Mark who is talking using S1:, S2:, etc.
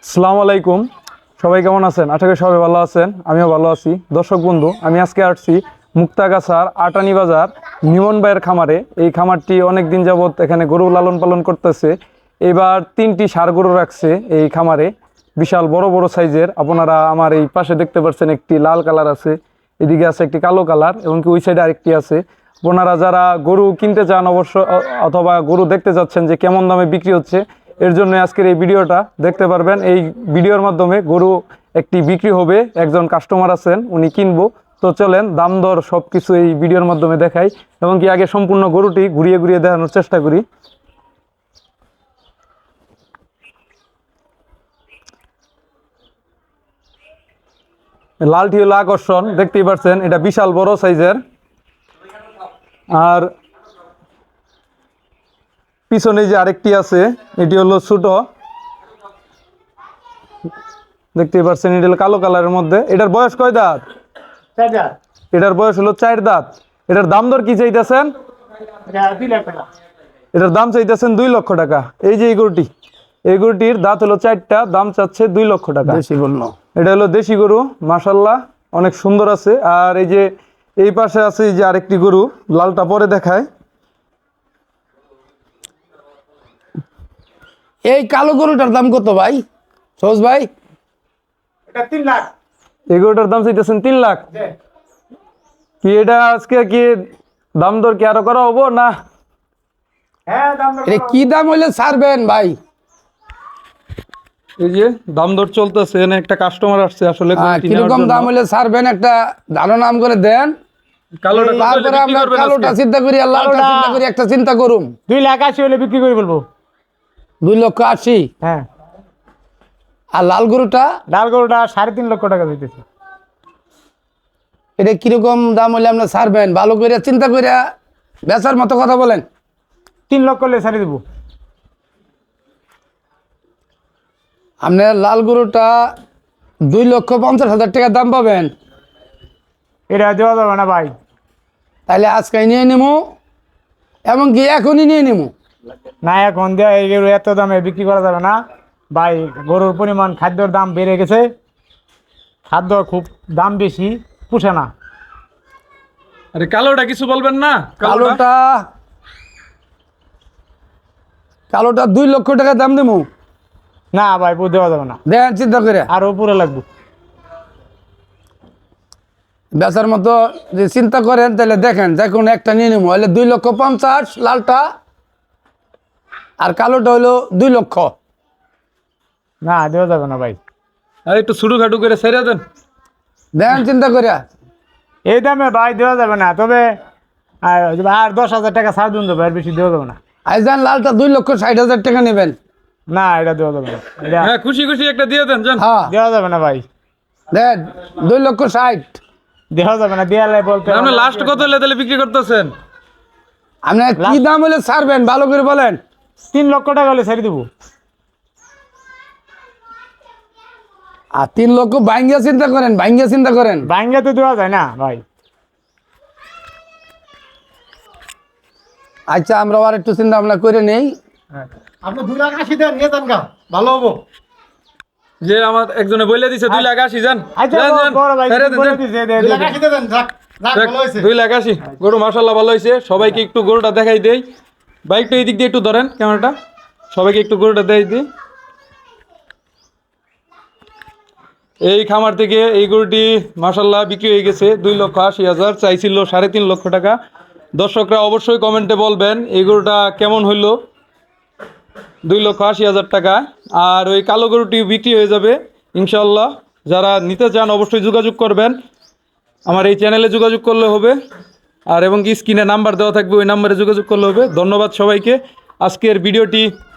S1: আসসালামু আলাইকুম। সবাই কেমন আছেন? আশা করি সবাই ভালো আছেন, আমিও ভালো আছি। দর্শক বন্ধু, আমি আজকে আসছি মুক্তাগাছার আটানি বাজার নিমন ভাইয়ের খামারে। এই খামারটি অনেক দিন যাবৎ এখানে গরু লালন পালন করতেছে। এবার 3টি ষাঁড় গরু রাখছে এই খামারে, বিশাল বড় বড় সাইজের। আপনারা আমার এই পাশে দেখতে পাচ্ছেন একটি লাল কালার আছে, এদিকে আছে একটি কালো কালার, এবং কি ওই সাইডে আরেকটি আছে। আপনারা যারা গরু কিনতে চান অবশ্য, অথবা গরু দেখতে যাচ্ছেন যে কেমন দামে বিক্রি হচ্ছে, এর জন্য আজকের এই ভিডিওটা দেখতে পারবেন। এই ভিডিওর মাধ্যমে গরু একটি বিক্রি হবে, একজন কাস্টমার আছেন, উনি কিনবো। তো চলেন দাম দর সব কিছু এই ভিডিওর মাধ্যমে দেখাই, এবং কি আগে সম্পূর্ণ গরুটি ঘুরিয়ে ঘুরিয়ে দেখানোর চেষ্টা করি। লালটি হলো আকর্ষণ, দেখতেই পাচ্ছেন, এটা বিশাল বড় সাইজের। আর পিছনে যে আরেকটি আছে, এটি হলো ছোট, দেখতেই পাচ্ছেন, এটা হলো কালো কালারের মধ্যে। এটার বয়স কয় দাঁত? এটার বয়স হলো 4 দাঁত। এটার দাম দর কি চাইতেছেন? এটার দাম চাইতেছেন 2 লক্ষ টাকা। এই যে এই গরুটির দাঁত হলো 4টা, দাম চাচ্ছে 2 লক্ষ টাকা। এটা হলো দেশি গরু, মাশাল্লাহ অনেক সুন্দর আছে। আর এই যে এই পাশে আছে এই যে আরেকটি গরু, লালটা পরে দেখায়।
S2: এই কালো গরুটার দাম কত ভাই, সহজ ভাই?
S3: এটা 3 লাখ।
S1: এই গরুটার দাম চাইতেছেন 3 লাখ। কি এটা আজকে কি দাম দর কি আরো করা হবো না?
S3: হ্যাঁ, দাম দর
S2: এটা কি দাম হইলে ছাড়বেন ভাই?
S1: এই যে দাম দর চলতেছে, এখানে একটা কাস্টমার আসছে আসলে গরুটি নেওয়ার
S2: কিরকম
S1: জন্য।
S2: দাম হইলে ছাড়বেন একটা ধারণা নাম করে দেন,
S1: কালোটা কত হলে
S2: তারপরে
S1: বিক্রি
S2: আমরা
S1: করবেন
S2: কালোটা
S1: আজকে?
S2: চিন্তা করি আর লালটা
S3: কালোটা-
S2: চিন্তা করি, একটা চিন্তা করুন।
S3: 2 লাখ 80 হলে বিক্রি করে বলবো।
S2: 2,80,000।
S3: হ্যাঁ,
S2: আর লাল গরুটা
S3: লাল গরুটা 3.5 লক্ষ টাকা দিতেছে।
S2: এটা কিরকম দাম হইলে আমরা ছাড়বেন? ভালো করে চিন্তা করে বেচার মতো কথা বলেন।
S3: 3 লক্ষ হলে ছাড়ি দেবো।
S2: আপনার লাল গরুটা 2,50,000 টাকা দাম পাবেন।
S3: এটা দেওয়া যাবে না ভাই।
S2: তাহলে আজকে নিয়ে নেবো, এমনকি এখনই নিয়ে নেবো।
S3: না, এখন দেওয়া এই গরু এত দামে বিক্রি করা যাবে না ভাই। গরুর পরিমাণ, খাদ্যর দাম বেড়ে গেছে, খাদ্য খুব দাম বেশি, পুষে না।
S1: আরে কালোটা কিছু বলবেন না?
S2: কালোটা 2 লক্ষ টাকা দাম দেবো।
S3: না ভাই, দেওয়া যাবে না,
S2: দেখেন চিন্তা করে।
S3: আর উপরে লাগবে।
S2: বেচার মতো যে চিন্তা করেন তাহলে দেখেন, যে কোনো একটা নিয়ে নেবো। হলে 2,50,000 লালটা, আর কালোটা হলো 2 লক্ষ।
S3: না, দেওয়া যাবে না ভাই।
S1: আরে একটু ছুটু খাটু করে ছেড়ে দেন।
S2: দেখেন চিন্তা করে।
S3: এই দামে ভাই দেওয়া যাবে না, তবে আর 10,000 টাকা ছাড় দিন দেবো, আর বেশি দেওয়া যাবে না।
S2: আইজান লালটা 2,60,000 টাকা নেবেন।
S3: না, এটা দেওয়া যাবে না, এটা
S1: হ্যাঁ, খুশি খুশি একটা দিয়ে দেন জান।
S2: হ্যাঁ
S3: দেওয়া যাবে না ভাই,
S2: দেন 2,60,000।
S3: দেওয়া যাবে না। দেওয়ালে বলতে
S1: আপনি লাস্ট কত হলে তাহলে বিক্রি করতেছেন?
S2: আপনার কি দাম হলে ছাড়বেন ভালো করে বলেন।
S3: 3 লক্ষ টাকা হলে ছেড়ে দেবো।
S2: আর 3 লক্ষ ভাঙ্গিয়া চিন্তা করেন,
S3: ভাঙ্গা তো দেওয়া যায় না ভাই।
S2: আচ্ছা, আমরা আর একটু চিন্তা ভাবনা করে নেই।
S4: আপনি 2,80,000 দেন, নিয়ে যান গা, ভালো হবো।
S1: যে আমার একজনে বলে দিছে 2,80,000 জান।
S3: আচ্ছা,
S1: জান, জান,
S3: বড় ভাই
S1: ছেড়ে দেন,
S3: বলে
S1: জান।
S3: দিছে, দে, দে, দে।
S4: 2,80,000 দেন, যাক যাক,
S1: দেখ,
S4: ভালো হয়েছে।
S1: 2,80,000 গরু মাশাল্লাহ ভালো হয়েছে। সবাইকে একটু গরুটা দেখাই দেই। বাইকটা এই দিক দিয়ে একটু ধরেন, ক্যামেরাটা, সবাইকে একটু গরুটা দেখাই দিই। এই খামার থেকে এই গরুটি মাশাল্লাহ বিক্রি হয়ে গেছে 2,80,000, চাইছিল 3.5 লক্ষ টাকা। দর্শকরা অবশ্যই কমেন্টে বলবেন এই গরুটা কেমন হইলো। 2,80,000 টাকা। আর ওই কালো গরুটি বিক্রি হয়ে যাবে ইনশাল্লাহ। যারা নিতে চান অবশ্যই যোগাযোগ করবেন, আমার এই চ্যানেলে যোগাযোগ করলে হবে। আর এবং কি স্ক্রিনে নাম্বার দেওয়া থাকবে, ওই নাম্বারে যোগাযোগ করলে হবে। ধন্যবাদ সবাইকে। আজকের ভিডিওটি